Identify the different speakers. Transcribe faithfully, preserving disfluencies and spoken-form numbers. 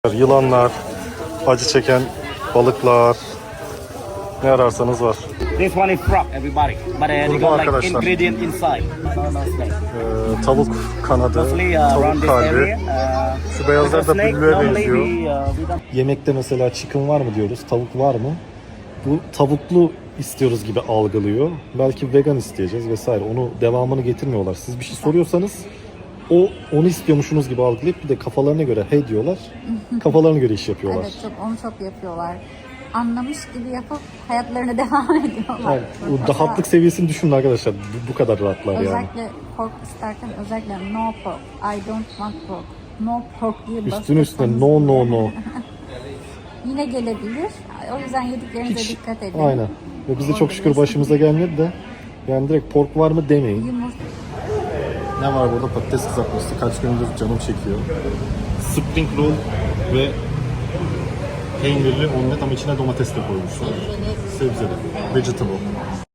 Speaker 1: Yılanlar, acı çeken balıklar, ne ararsanız var.
Speaker 2: This one is frog, everybody. But uh, they
Speaker 1: Burada
Speaker 2: got like
Speaker 1: arkadaşlar.
Speaker 2: ingredient inside.
Speaker 1: Ee, tavuk kanadı,
Speaker 2: Mostly uh, around
Speaker 1: tavuk
Speaker 2: this
Speaker 1: kalbi.
Speaker 2: area. Uh,
Speaker 1: Şu beyazlar da
Speaker 2: snake,
Speaker 1: büllüğe
Speaker 2: normally
Speaker 1: benziyor.
Speaker 2: we, uh, we don't.
Speaker 1: Yemekte mesela chicken var mı diyoruz, tavuk var mı? Bu tavuklu istiyoruz gibi algılıyor. Belki vegan isteyeceğiz vesaire. Onu devamını getirmiyorlar. Siz bir şey soruyorsanız o onu istiyormuşsunuz gibi algılayıp bir de kafalarına göre hey diyorlar. Kafalarına göre iş yapıyorlar.
Speaker 3: Evet, çok onu çok yapıyorlar. Anlamış gibi yapıp hayatlarına devam ediyorlar.
Speaker 1: Yani, o rahatlık seviyesini düşünün arkadaşlar. Bu, bu kadar rahatlar yani.
Speaker 3: Özellikle pork isterken özellikle no pork, I don't want pork, no pork diye
Speaker 1: Üstüne üstüne
Speaker 3: bastırsanız
Speaker 1: no
Speaker 3: bile
Speaker 1: no no.
Speaker 3: yine gelebilir. O yüzden yediklerinize
Speaker 1: Hiç,
Speaker 3: dikkat edin.
Speaker 1: aynen. Ve bize çok
Speaker 3: Orada
Speaker 1: şükür
Speaker 3: besin-
Speaker 1: başımıza gelmedi de yani direkt pork var mı demeyin.
Speaker 3: Yumurta.
Speaker 1: Ne var burada? Patates kızartması. Kaç gündür canım çekiyor. Spring roll ve peynirli omlet ama içine domates de koymuşlar. Sebzeli. Vegetable.